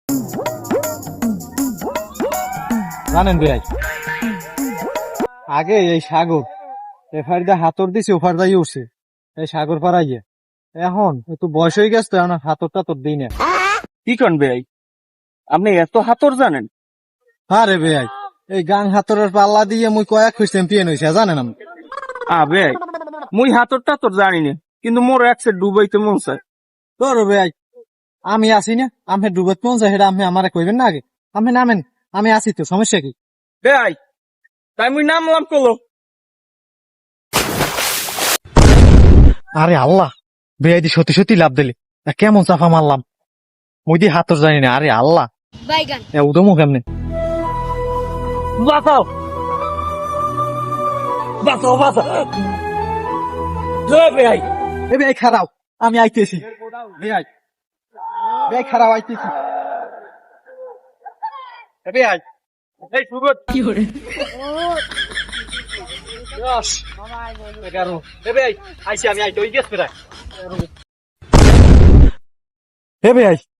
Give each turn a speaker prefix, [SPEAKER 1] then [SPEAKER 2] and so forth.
[SPEAKER 1] জানেন ভাই, আগে এই সাগর এফার দিয়ে হাতর দিছি ওফার দিয়ে উঠছে এই সাগর পাড়াইয়ে। এখন একটু বয়স হয়ে গেছে তো এখন হাতর টাতর দিই না।
[SPEAKER 2] কি কন ভাই, আপনি এত হাতর জানেন?
[SPEAKER 1] হ্যাঁ রে ভাই, এই গান হাতরের পাল্লা দিয়ে মুই কয়েক খুশ চ্যাম্পিয়ন হয়েছে জানেন আমি।
[SPEAKER 2] ভাই মুই হাতর টাতর জানি না, কিন্তু মোর একসে ডুবাইতে মন চায়।
[SPEAKER 1] তোর ভাই আমি আসি না, আমি ডুবত মন যায় সেটা আপনি আমারে কইবেন না আগে। আপনি নামেন, আমি আসি তো, সমস্যা কি?
[SPEAKER 2] ভাই তাই মুই নামলাম কলো।
[SPEAKER 1] আরে আল্লাহ, বেআইদি সত্যি সত্যি লাভ দিলে, কেমন চাফা মারলাম। মুই দি হাতর জানি না। আরে আল্লাহ,
[SPEAKER 3] বাইগান
[SPEAKER 1] উদমো কেমনে?
[SPEAKER 2] বাঁচাও বাঁচাও বাঁচাও ভাই।
[SPEAKER 1] এ ভাই খারাও, আমি আইতেছি। ভাই ভাই খারাও, আইতেছি। এ ভাই
[SPEAKER 2] এই সুগত
[SPEAKER 3] কি করে
[SPEAKER 1] 10 11 এ ভাই আইছি, আমি আইতে ওই গেছ প্রায়। এ ভাই